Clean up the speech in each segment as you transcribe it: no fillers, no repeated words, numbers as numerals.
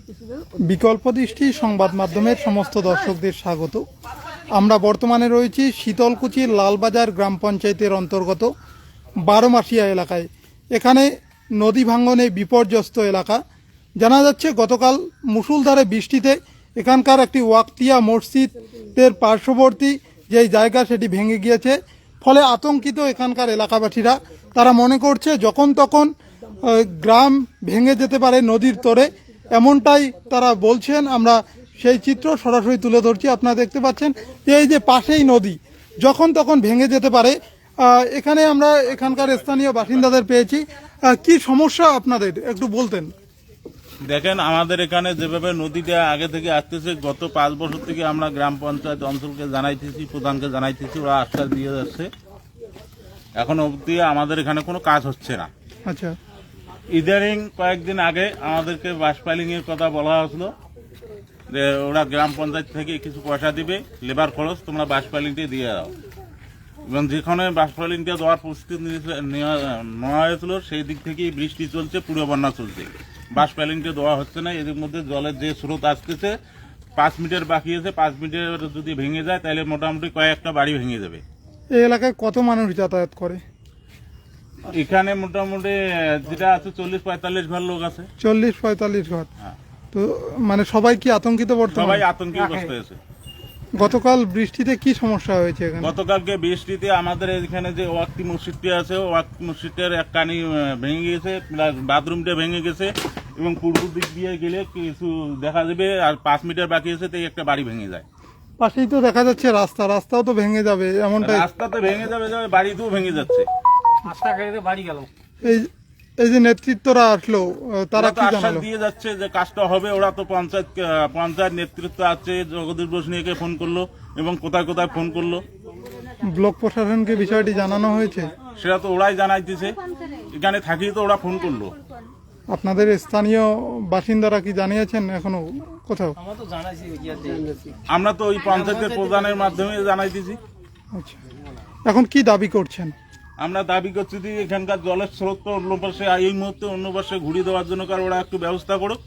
বিকল্প দৃষ্টি সংবাদ মাধ্যমের সমস্ত দর্শকদের স্বাগত। আমরা বর্তমানে রয়েছি শীতলকুচির লালবাজার গ্রাম পঞ্চায়েতের অন্তর্গত বারোমাসিয়া এলাকায়। এখানে নদী ভাঙ্গনে বিপর্যস্ত এলাকা। জানা যাচ্ছে গতকাল মুষলধারে বৃষ্টিতে এখানকার একটি ওয়াক্তিয়া মসজিদের পার্শ্ববর্তী যেই জায়গা সেটি ভেঙে গিয়েছে। ফলে আতঙ্কিত এখানকার এলাকাবাসীরা। তারা মনে করছে যখন তখন গ্রাম ভেঙে যেতে পারে নদীর তোরে, এমনটাই তারা বলছেন। আমরা সেই চিত্র সরাসরি তুলে ধরছি। আপনারা দেখতে পাচ্ছেন যে এই যে পাশেই নদী, যখন তখন ভেঙে যেতে পারে। এখানে আমরা এখানকার স্থানীয় বাসিন্দাদের পেয়েছি। কি সমস্যা আপনাদের একটু বলতেন? দেখেন, আমাদের এখানে যেভাবে নদীটা আগে থেকে আসতেছে, গত 5 বছর থেকে আমরা গ্রাম পঞ্চায়েত অঞ্চলকে জানাইতেছি, প্রধানকে জানাইতেছি, ওরা আশ্বাস দিয়ে যাচ্ছে। এখন অবধি আমাদের এখানে কোনো কাজ হচ্ছে না। আচ্ছা, ইদানিং কয়েকদিন আগে আমাদেরকে বাস ফাইলিং এর কথা বলা হয়েছিল যে ওরা গ্রাম পঞ্চায়েত থেকে কিছু পয়সা দিবে, লেবার খরচ, তোমরা বাস ফাইলিংটা দিয়ে দাও। এবং যেখানে বাস ফাইলিংটা দেওয়ার প্রস্তুতি নেওয়া হয়েছিল সেই দিক থেকেই বৃষ্টি চলছে, পুরো বন্যা চলছে। বাস ফাইলিংটা দেওয়া হচ্ছে না। এদের মধ্যে জলের যে স্রোত আসতেছে, 5 মিটার বাকি আছে, 5 মিটার যদি ভেঙে যায় তাহলে মোটামুটি কয়েকটা বাড়ি ভেঙে যাবে। এই এলাকায় কত মানুষ যাতায়াত করে? এখানে মোটামুটি যেটা আছে 40-45 ঘর লোক আছে। 40-45 ঘর। হ্যাঁ। তো মানে সবাই কি আতঙ্কিত? বর্তমানে সবাই আতঙ্কগ্রস্ত হয়েছে। গতকাল বৃষ্টিতে কি সমস্যা হয়েছে এখানে? গতকালকে বৃষ্টিতে আমাদের এখানে যে ওয়াক্তি মসজিদটি আছে, ওয়াক্তি মসজিদের এক কানি ভেঙে গেছে, প্লাস বাথরুমটা ভেঙে গেছে, এবং পূর্ব দিক দিয়ে গেলে কিছু দেখা যাবে। আর 5 মিটার বাকি আছে, তাই একটা বাড়ি ভেঙে যায়। পাশেই তো দেখা যাচ্ছে রাস্তাও তো ভেঙে যাবে এমনটাই। রাস্তা তো ভেঙে যাবে, বাড়িতেও ভেঙে যাচ্ছে। এই যে নেতৃত্বরা আসলো, তারা কি আশ্বাস জানালো? দিয়ে যাচ্ছে যে কাজটা হবে। ওরা তো পঞ্চায়েত নেতৃত্ব আছে, জগদীশ বসনিয়াকে ফোন করলো এবং কোথায় কোথায় ফোন করলো। ব্লক প্রশাসনকে বিষয়টি জানানো হয়েছে? সেটা তো ওরাই জানাইতেছে। এখানে থাকিয়ে তো ওরা ফোন করলো। আপনাদের স্থানীয় বাসিন্দারা কি জানিয়েছেন এখনো কোথাও? আমরা তো ওই পঞ্চায়েতের প্রধানের মাধ্যমে জানাইতেছি। আচ্ছা, এখন কি দাবি করছেন? আমরা দাবি করছি যে এখানকার জলের স্রোত তো অন্য পাশে, এই মুহূর্তে অন্য পাশে ঘুরিয়ে দেওয়ার জন্য কারণ ওরা একটু ব্যবস্থা করুক।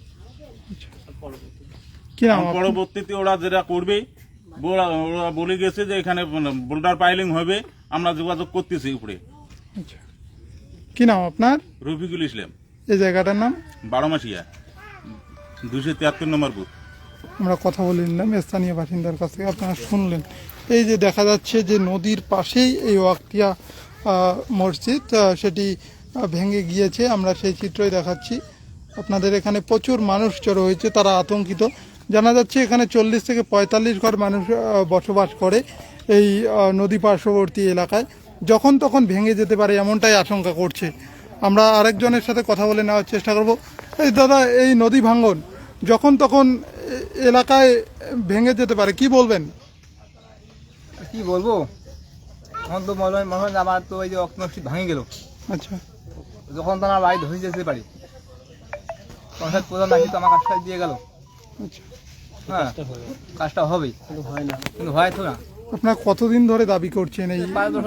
কি নাম আপনার? পরবর্তীতে ওরা যেটা করবে, ওরা বলে গেছে যে এখানে বোল্ডার পাইলিং হবে, আমরা যোগাযোগ করতেছি উপরে। আচ্ছা, কি নাম আপনার? রফিকুল ইসলাম। এই জায়গাটার নাম? বারোমাসিয়া, 273 নম্বর বুথ। আমরা কথা বলে নিলাম স্থানীয় বাসিন্দার কাছ থেকে। আপনারা শুনলেন এই যে দেখা যাচ্ছে যে নদীর পাশেই এই ওয়াক্তিয়া মসজিদ সেটি ভেঙে গিয়েছে। আমরা সেই চিত্রই দেখাচ্ছি আপনাদের। এখানে প্রচুর মানুষ জড়ো হয়েছে, তারা আতঙ্কিত। জানা যাচ্ছে এখানে 40 থেকে 45 ঘর মানুষ বসবাস করে এই নদী পার্শ্ববর্তী এলাকায়। যখন তখন ভেঙে যেতে পারে এমনটাই আশঙ্কা করছে। আমরা আরেকজনের সাথে কথা বলে নেওয়ার চেষ্টা করব। এই দাদা, এই নদী ভাঙ্গন যখন তখন এলাকায় ভেঙে যেতে পারে, কি বলবেন? কি বলবো, আমার তো মনে হয় আমার তো এই যে অক্টোবর ভাঙে গেল। আচ্ছা, যখন তো আমার বাড়ি ধরে যেতে পারি, পঞ্চায়েত প্রধান নাকি তো আমার কাজটা দিয়ে গেল। আচ্ছা, হ্যাঁ, কাজটা হবেই, কিন্তু হয় তো না। আপনার কতদিন ধরে দাবি করছেন? এই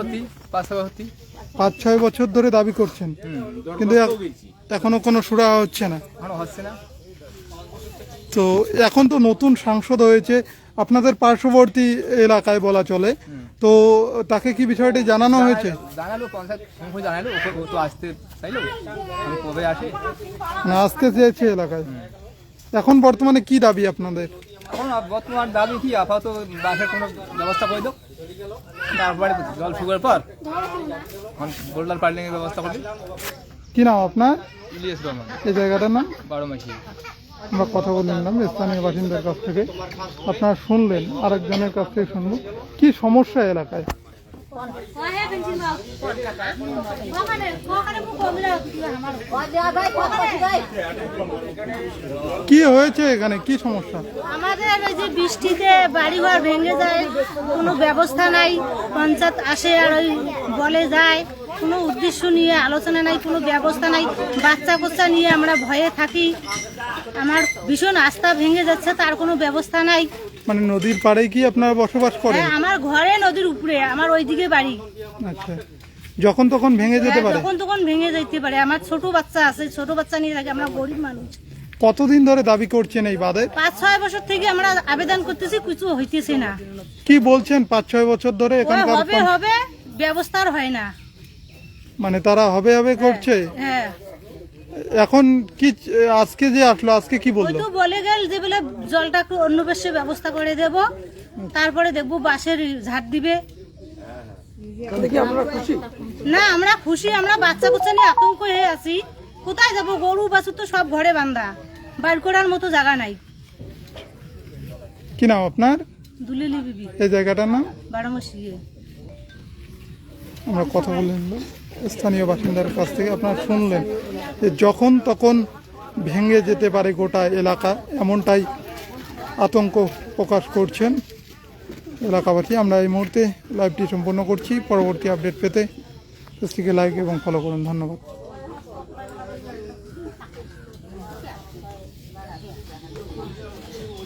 5 বছর ধরে দাবি করছেন, কিন্তু এখনো কোনো সুরা হচ্ছে না। এখনো হচ্ছে না। তো এখন তো নতুন সাংসদ হয়েছে আপনাদের পার্শ্ববর্তী এলাকায় বলা চলে, তো তাকে কি বিষয়টি জানানো হয়েছে? জানালো পঞ্চায়েত জানালো, ও তো আসতে চাইলো, আমি কবে আসে না আসতে চেয়েছে এলাকায়। এখন বর্তমানে কি দাবি আপনাদের? এখন বর্তমান দাবি কি, আপাতত বাসের কোনো ব্যবস্থা করে দাও, তারপরে জল শুকার পর বোল্ডার পাইলিং এর ব্যবস্থা করে। কি নাম আপনার? ইলিয়াস রহমান। এই জায়গাটার নাম? বারোমাসিয়া। আমরা কথা বলে নিলাম স্থানীয় বাসিন্দার কাছ থেকে। আপনারা শুনলেন, আরেকজনের কাছ থেকে শুনবো কি সমস্যা এলাকায়। কি হয়েছে এখানে, কি সমস্যা? আমাদের ওই যে বৃষ্টিতে বাড়িঘর ভেঙে যায়, কোনো ব্যবস্থা নাই। পঞ্চায়েত আসে আর ওই বলে যায়, কোনো উদ্দেশ্য নিয়ে আলোচনা নাই, কোনো ব্যবস্থা নাই। বাচ্চা কোচ্চা নিয়ে আমরা ভয়ে থাকি। আমার ভীষণ আস্থা ভেঙে যাচ্ছে, তার কোনো ব্যবস্থা নাই। মানে নদীর পাড়ে কি আপনারা বসবাস করেন? হ্যাঁ, আমার ঘরে নদীর উপরে, আমার ওইদিকে বাড়ি। আচ্ছা, যখন তখন ভেঙে যেতে পারে? যখন তখন ভেঙে যেতে পারে। আমার ছোট বাচ্চা আছে, ছোট বাচ্চা নিয়ে থাকে, আমরা গরিব মানুষ। কতদিন ধরে দাবি করছেন এই বাঁধের? 5-6 বছর থেকে আমরা আবেদন করতেছি, কিছু হইতেছে না। কি বলছেন 5-6 বছর ধরে ওই এখানকার হবে ব্যবস্থার হয় না। মানে তারা হবে করছে? হ্যাঁ, এখন কি আজকে যে আসলো, আজকে কি ওই বললো? তো বলে গেল যে বলে জলটা একটু অন্য বেশে ব্যবস্থা করে দেব, তারপরে দেখবো বাঁশের ঝাড় দিবে। না আমরা খুশি, আমরা বাচ্চা কুচ্চা নিয়ে আতঙ্ক হয়ে আছি। কোথায় যাব? গরু বাছুর তো সব ঘরে বান্ধা, বাইর করার মতো জায়গা নাই। কি নাম আপনার? দুলিলি বিবি, এই জায়গাটার নাম? 12 মাসিয়ে। আমরা কথা বলে নিলাম স্থানীয় বাসিন্দার কাছ থেকে। আপনারা শুনলেন যে যখন তখন ভেঙে যেতে পারে গোটা এলাকা, এমনটাই আতঙ্ক প্রকাশ করছেন এলাকাবাসী। আমরা এই মুহূর্তে লাইভটি সম্পন্ন করছি। পরবর্তী আপডেট পেতে পেজটিকে লাইক এবং ফলো করুন। ধন্যবাদ।